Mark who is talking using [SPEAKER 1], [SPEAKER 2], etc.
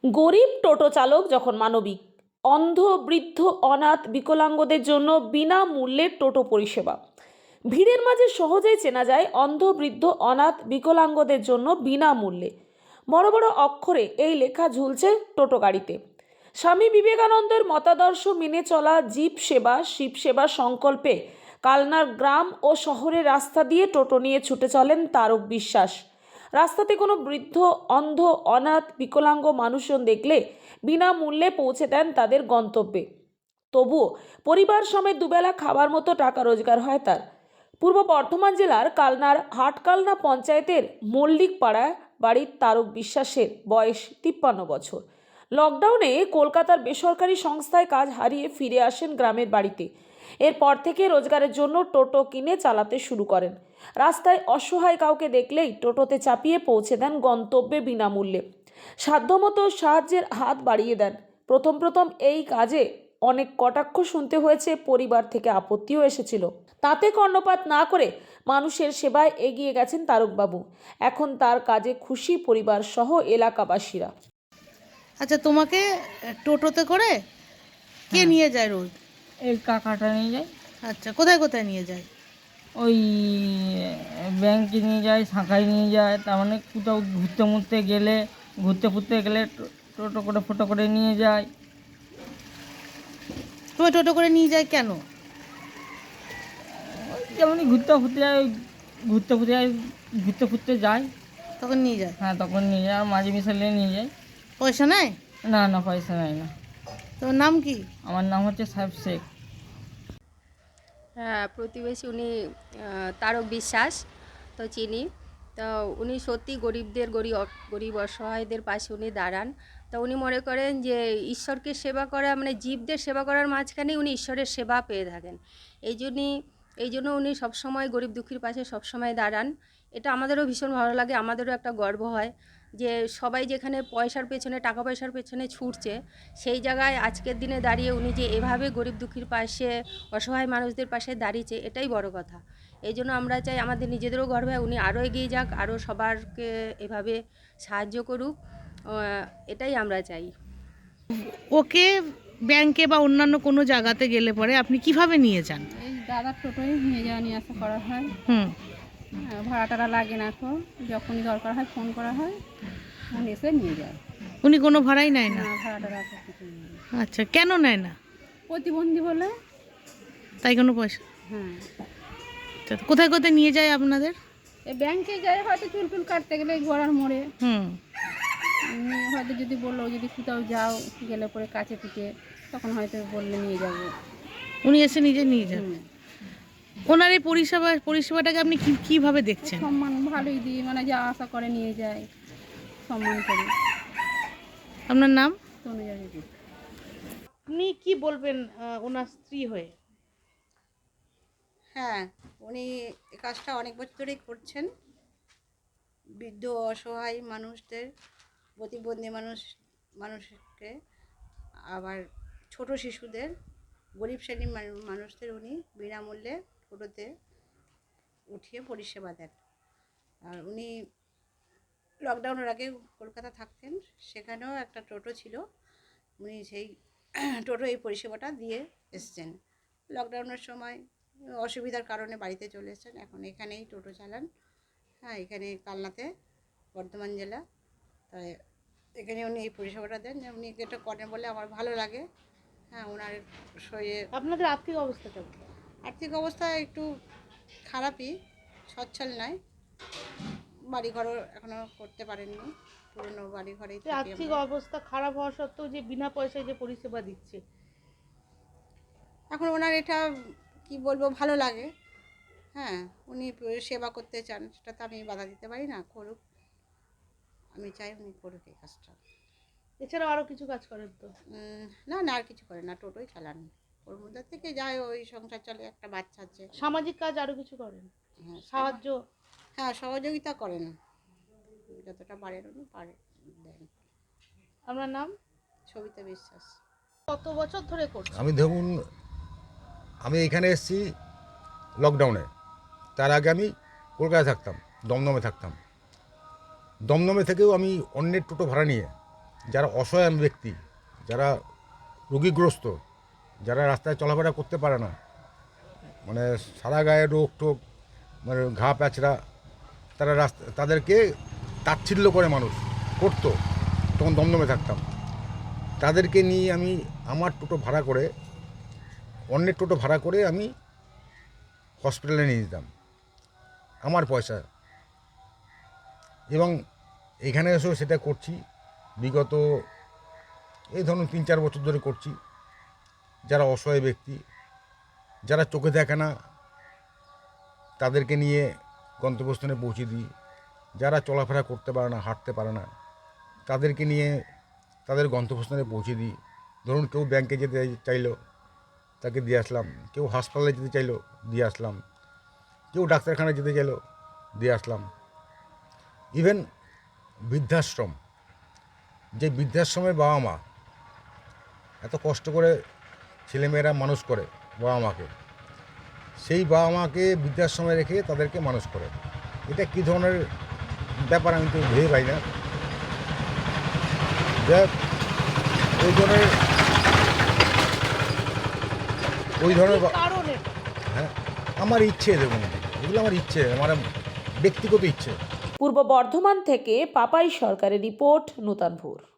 [SPEAKER 1] গরিব টোটো চালক যখন মানবিক, অন্ধ, বৃদ্ধ, অনাথ, বিকলাঙ্গদের জন্য বিনামূল্যে টোটো পরিষেবা। ভিড়ের মাঝে সহজেই চেনা যায় অন্ধ, বৃদ্ধ, অনাথ, বিকলাঙ্গদের জন্য বিনামূল্যে। বড় বড় অক্ষরে এই লেখা ঝুলছে টোটো গাড়িতে। স্বামী বিবেকানন্দের মতাদর্শ মেনে চলা জীব সেবা, শিব সেবা সংকল্পে কালনার গ্রাম ও শহরের রাস্তা দিয়ে টোটো নিয়ে ছুটে চলেন তারক বিশ্বাস। রাস্তাতে কোনো বৃদ্ধ, অন্ধ, অনাথ, বিকলাঙ্গ মানুষজন দেখলে বিনামূল্যে পৌঁছে দেন তাদের গন্তব্যে। তবুও পরিবার সমেত দুবেলা খাবার মতো টাকা রোজগার হয় তার। পূর্ব বর্ধমান জেলার কালনার হাটকালনা পঞ্চায়েতের মল্লিক পাড়ায় বাড়ির তারক বিশ্বাসের বয়স 53 বছর। লকডাউনে কলকাতার বেসরকারি সংস্থায় কাজ হারিয়ে ফিরে আসেন গ্রামের বাড়িতে। এরপর থেকে রোজগারের জন্য টোটো কিনে চালাতে শুরু করেন। রাস্তায় অসহায় কাউকে দেখলেই টোটোতে চাপিয়ে পৌঁছে দেন গন্তব্যে বিনামূল্যে। সাধ্যমতো সাহায্যের হাত বাড়িয়ে দেন। প্রথম এই কাজে অনেক কটাক্ষ শুনতে হয়েছে, পরিবার থেকে আপত্তিও এসেছিল। তাতে কর্ণপাত না করে মানুষের সেবায় এগিয়ে গেছেন তারকবাবু। এখন তার কাজে খুশি পরিবার সহ এলাকাবাসীরা।
[SPEAKER 2] আচ্ছা, তোমাকে টোটোতে করে কে
[SPEAKER 3] হ্যাঁ,
[SPEAKER 2] নিয়ে যায় রোজ?
[SPEAKER 3] এই কাকাটা নিয়ে যায়।
[SPEAKER 2] আচ্ছা, কোথায় কোথায় নিয়ে যায়?
[SPEAKER 3] ওই ব্যাংকে নিয়ে যায়, শাখায় নিয়ে যায়। তার মানে কোথাও ঘুরতে ফুরতে গেলে টোটো করে ফটো করে নিয়ে যায়।
[SPEAKER 2] তোমার টোটো করে নিয়ে যায় কেন?
[SPEAKER 3] ওই যেমনই ঘুরতে ফুরতে যায়।
[SPEAKER 2] তখন নিয়ে যায়?
[SPEAKER 3] হ্যাঁ, তখন নিয়ে যায়। আর মাঝে মিশালে নিয়ে যায়।
[SPEAKER 2] পয়সা নেয়?
[SPEAKER 3] না না, পয়সা নেয় না।
[SPEAKER 2] তোমার নাম কি?
[SPEAKER 3] আমার নাম হচ্ছে সাহেব শেখ।
[SPEAKER 4] হ্যাঁ, প্রতিবেশী উনি তারক বিশ্বাস, তো চিনি। তো উনি সত্যি গরিবদের গরিব অসহায়দের পাশে উনি দাঁড়ান। তো উনি মনে করেন যে ঈশ্বরকে সেবা করা মানে জীবদের সেবা করার মাঝখানেই উনি ঈশ্বরের সেবা পেয়ে থাকেন। এই জন্য উনি সবসময় গরিব দুঃখীর পাশে সবসময় দাঁড়ান। এটা আমাদেরও ভীষণ ভালো লাগে, আমাদেরও একটা গর্ব হয় যে সবাই যেখানে পয়সার পেছনে, টাকা পয়সার পেছনে ছুটছে, সেই জায়গায় আজকের দিনে দাঁড়িয়ে উনি যে এভাবে গরিব দুঃখীর পাশে, অসহায় মানুষদের পাশে দাঁড়িয়েছে, এটাই বড় কথা। এই জন্য আমরা চাই আমাদের নিজেদেরও গর্ব হয় উনি আরও এগিয়ে যাক, আরও সবারকে এভাবে সাহায্য করুক, এটাই আমরা চাই।
[SPEAKER 2] ওকে ব্যাংকে বা অন্যান্য কোনো জায়গাতে গেলে পরে আপনি কিভাবে নিয়ে যান?
[SPEAKER 5] এই দাদার টোটোয় নিয়ে যাওয়া নিয়ে আসা করা হয়।
[SPEAKER 2] হুম।
[SPEAKER 5] ভাড়া টাড়া লাগে না, এখন যখনই দরকার হয় ফোন করা হয়, ফোন এসে নিয়ে যায়।
[SPEAKER 2] উনি কোনো ভাড়াই নেয় না?
[SPEAKER 5] না, ভাড়া টাড়া কিছু নেই।
[SPEAKER 2] আচ্ছা, কেন নেয় না?
[SPEAKER 5] প্রতিবন্ধী বলে।
[SPEAKER 2] তাই কোনো পয়সা?
[SPEAKER 5] হ্যাঁ,
[SPEAKER 2] আচ্ছা, কোথায় কোথায় নিয়ে যায় আপনাদের?
[SPEAKER 5] এই ব্যাংকে যায় হয়তো চুল টুল কাটতে গেলে ঘোড়ার মোড়ে।
[SPEAKER 2] হুম।
[SPEAKER 5] হয়তো যদি বললো যদি কোথাও যাও গেলে পরে কাছে পিঠে, তখন হয়তো বললে নিয়ে যাবো।
[SPEAKER 2] উনি এসে নিজে নিয়ে যান?
[SPEAKER 5] হুম।
[SPEAKER 2] ওনার এই পরিষেবাটাকে আপনি কিভাবে দেখছেন?
[SPEAKER 5] সম্মান ভালোই দিই, মানে যা আশা করে নিয়ে যায়, সম্মান করি।
[SPEAKER 2] আপনার নাম?
[SPEAKER 5] তনুজা দিদি।
[SPEAKER 2] আপনি কি বলবেন ওনার স্ত্রী হয়ে?
[SPEAKER 6] হ্যাঁ, উনি এই কাজটা অনেক বছর ধরেই করছেন। বৃদ্ধ অসহায় মানুষদের, প্রতিবন্ধী মানুষকে, আবার ছোট শিশুদের, গরিব শ্রেণীর মানুষদের উনি বিনামূল্যে টোটোতে উঠিয়ে পরিষেবা দেন। আর উনি লকডাউনের আগে কলকাতা থাকতেন, সেখানেও একটা টোটো ছিল। উনি সেই টোটো এই পরিষেবাটা দিয়ে এসছেন। লকডাউনের সময় অসুবিধার কারণে বাড়িতে চলে এসেছেন, এখন এখানেই টোটো চালান। হ্যাঁ, এখানে কালনাতে, বর্ধমান জেলা। তাই এখানে উনি এই পরিষেবাটা দেন, যে উনি এটা করেন বলে আমার ভালো লাগে। হ্যাঁ, ওনার শরীরে
[SPEAKER 2] আপনাদের আর্থিক অবস্থা কেমন?
[SPEAKER 6] আর্থিক অবস্থা একটু খারাপই, সচ্ছল নয়। বাড়িঘরও এখনও করতে পারেননি, পুরনো বাড়িঘরেই থাকি
[SPEAKER 2] আর্থিক
[SPEAKER 6] আমরা।
[SPEAKER 2] অবস্থা খারাপ হওয়া সত্ত্বেও যে বিনা পয়সায় যে পরিষেবা দিচ্ছে,
[SPEAKER 6] এখন ওনার এটা কি বলবো, ভালো লাগে। হ্যাঁ, উনি সেবা করতে চান, সেটা তো আমি বাধা দিতে পারি না, করুক। আমি চাই উনি করুক এই কাজটা।
[SPEAKER 2] এছাড়াও আরো কিছু কাজ করেন তো?
[SPEAKER 6] না না, আর কিছু করে না, টোটোই চালান। ওর মধ্যে থেকে যায়, ওই সংসার চলে, একটা বাচ্চা আছে।
[SPEAKER 2] সামাজিক কাজ আরো কিছু করেন?
[SPEAKER 6] হ্যাঁ,
[SPEAKER 2] সাহায্য?
[SPEAKER 6] হ্যাঁ, সহযোগিতা করেন, যতটা পারেন উনি দেন।
[SPEAKER 2] আপনার নাম?
[SPEAKER 6] সবিতা বিশ্বাস।
[SPEAKER 2] কত বছর ধরে করছেন?
[SPEAKER 7] আমি এখানে এসেছি লকডাউনে। তার আগে আমি কলকাতায় থাকতাম, দমদমে থাকতাম। দমদমে থেকেও আমি অন্যের টোটো ভাড়া নিয়ে যারা অসহায় ব্যক্তি, যারা রোগীগ্রস্ত, যারা রাস্তায় চলাফেরা করতে পারে না, মানে সারা গায়ে রোগ টোগ, মানে ঘা প্যাচড়া, তারা তাদেরকে তাচ্ছিল্য করে মানুষ করতো, তখন দমদমে থাকতাম। তাদেরকে নিয়ে আমি আমার টোটো ভাড়া করে, অন্যের টোটো ভাড়া করে আমি হসপিটালে নিয়ে যেতাম আমার পয়সা, এবং এখানে এসেও সেটা করছি। বিগত এই ধরুন 3-4 বছর ধরে করছি। যারা অসহায় ব্যক্তি, যারা চোখে দেখে না, তাদেরকে নিয়ে গন্তব্যস্থানে পৌঁছে দিই। যারা চলাফেরা করতে পারে না, হাঁটতে পারে না, তাদেরকে নিয়ে তাদের গন্তব্যস্থানে পৌঁছে দিই। ধরুন কেউ ব্যাংকে যেতে চাইলো, তাকে দিয়ে আসলাম। কেউ হাসপাতালে যেতে চাইলো, দিয়ে আসলাম। কেউ ডাক্তারখানায় যেতে চাইলো, দিয়ে আসলাম। ইভেন বৃদ্ধাশ্রম, যে বৃদ্ধাশ্রমের বাবা মা এত কষ্ট করে ছেলেমেয়েরা মানুষ করে বাবা মাকে, সেই বাবা মাকে বৃদ্ধাশ্রমে রেখে তাদেরকে মানুষ করে, এটা কী ধরনের ব্যাপার আমি তো ভেবে পাই না। ওই ধরনের
[SPEAKER 2] কারণ এটা
[SPEAKER 7] হ্যাঁ, আমার ইচ্ছে, দেখুন এগুলো আমার ইচ্ছে, আমার ব্যক্তিগত ইচ্ছে।
[SPEAKER 1] পূর্ব বর্ধমান থেকে পাপাই সরকারের রিপোর্ট, নূতন ভোর।